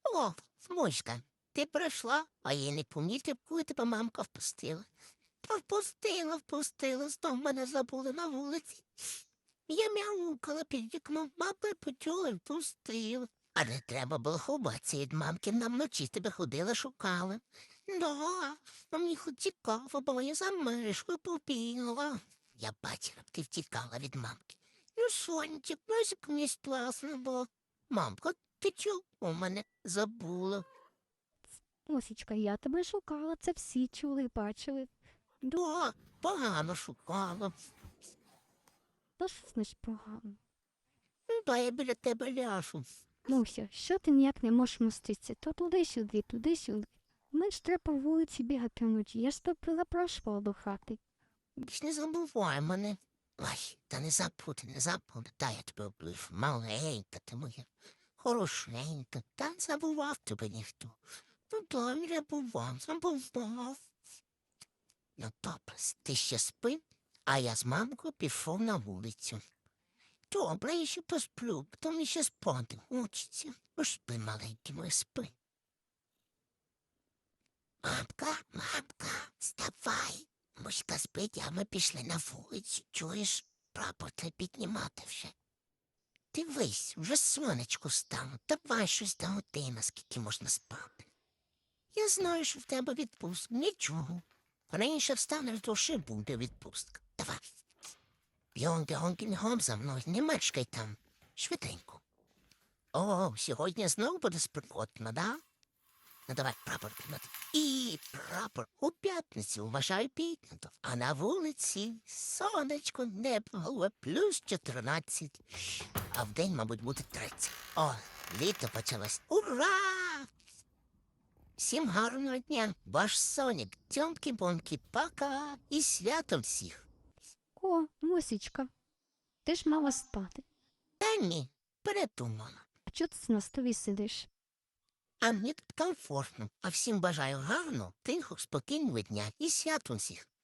О, Муська, ти прийшла, а я не помітив, коли тебе мамка впустила. Та впустила, знов мене забули на вулиці. Я мяукала під вікном, мама почула і впустила. А не треба було ховатися від мамки, нам вночі тебе ходила, шукала. Да, а мені хоч цікаво, бо я за мишкою побігла. Я бачила, б ти втікала від мамки. Ну, сонечек, носик мені класно було. Мамка, ти чого у мене забула? Осічка, я тебе шукала, це всі чули і бачили. Да, погано шукала. Та що значить погано? Ну, да, я біля тебе ляжу. Муся, що ти ніяк не можеш моститися? То туди-сюди, туди-сюди. Мені ж треба по вулиці бігати вночі. Я ж тебе запрошувала до хати. Більш не забувай мене. Ой, та не забуду, та я тебе облив. Маленька ти моя, хорошенька, та не забував тебе ніхто. Ну, да, не забував. Ну, добре, ти ще спи, а я з мамкою пішов на вулицю. Добре, я ще посплю, потім ще спати хочеться. Спи, маленький мой, спи. Мамка, вставай. Муська спить, а ми пішли на вулицю. Чуєш, прапор треба піднімати вже. Дивись, вже сонечко стало. Давай щось до години, скільки можна спати. Я знаю, що в тебе відпустка. Нічого. Раніше встанеш, то ще буде відпустка. Давай. Бігом за мною, не мешкай там. Швиденько. О, сьогодні знову буде спекотно, да? Ну, давай прапор підняти. І прапор у п'ятницю, вважаю піднято. А на вулиці сонечко, небо, голубе, плюс 14. А вдень, мабуть, буде 30. О, літо почалось. Ура! Всім гарного дня. Ваш Сонік. Тьомки-бомки, пока. І святом всіх. О, Мусічка, ти ж мала спати. Та ні, передумала. А чого ти на столі сидиш? А мені тут комфортно. А всім бажаю гарного, тихого, спокійного дня і святом всіх.